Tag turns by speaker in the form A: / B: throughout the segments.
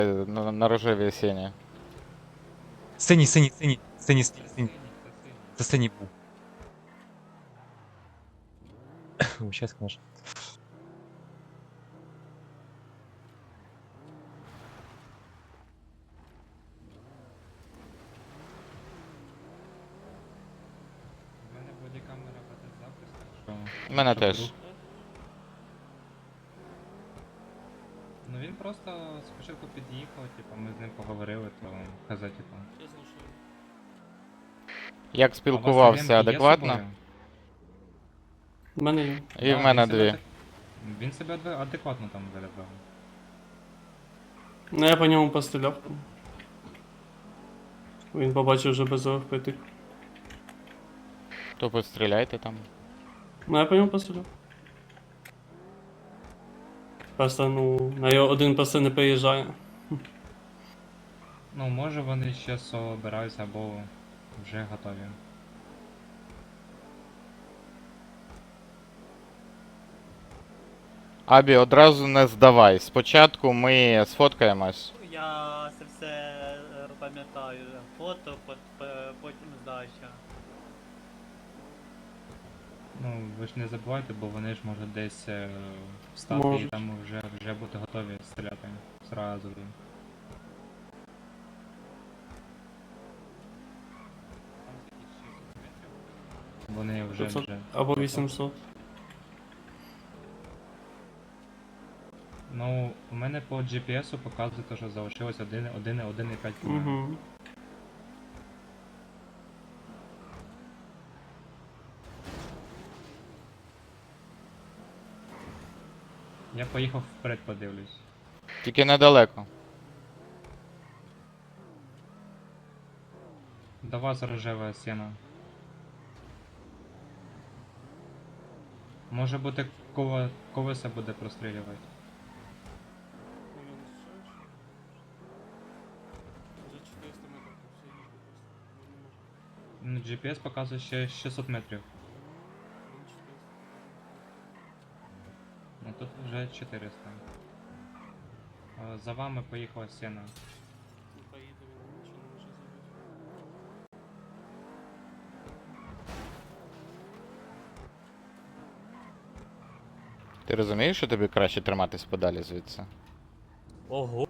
A: на рожевій сіні.
B: Синій, синій, синій, синій, синій, синій. Це синій був. Щас, конечно.
C: У мене бодікамера веде запис, так що...
A: У мене
C: щоб
A: теж.
C: вдруг- Ну він просто спочатку під'їхав, типу, ми з ним поговорили, то казав, типу...
A: Як
C: «А у
A: спілкувався
C: вас ремки є з
A: адекватно?
C: собою?»
D: У мене є.
A: І в
C: Да,
A: мене
C: він себе
A: дві.
C: Він себе адекватно там виявляв.
D: Ну я по ньому постріляв. Він побачив вже без впитих.
A: То постріляйте там.
D: Ну я по ньому постріляв. Просто, ну, на його один просто не приїжджає.
C: Ну, може вони ще собираються або вже готові.
A: Абі, одразу не здавай. Спочатку ми сфоткаємось.
E: Я це все пам'ятаю. Фото, потім здача.
C: Ну, ви ж не забувайте, бо вони ж можуть десь встати і
D: Можуть.
C: там вже бути готові стріляти зразу. Вони вже
D: 500
C: вже.
D: або 800.
C: Ну, у мене по GPS показує, що залишилось 1,5 км.
D: Угу.
C: Я поїхав вперед, подивлюсь.
A: Тільки недалеко.
C: До вас рожева сіна. Може бути колеса буде прострілювати. Ну, GPS показує ще 600 метрів. Ну тут вже 400. За вами поїхала сіна.
A: Ти розумієш, що тобі краще триматись подалі звідси?
E: Ого.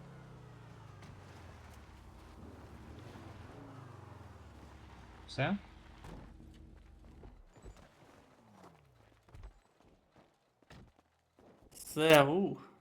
C: Все?
D: Все, ух.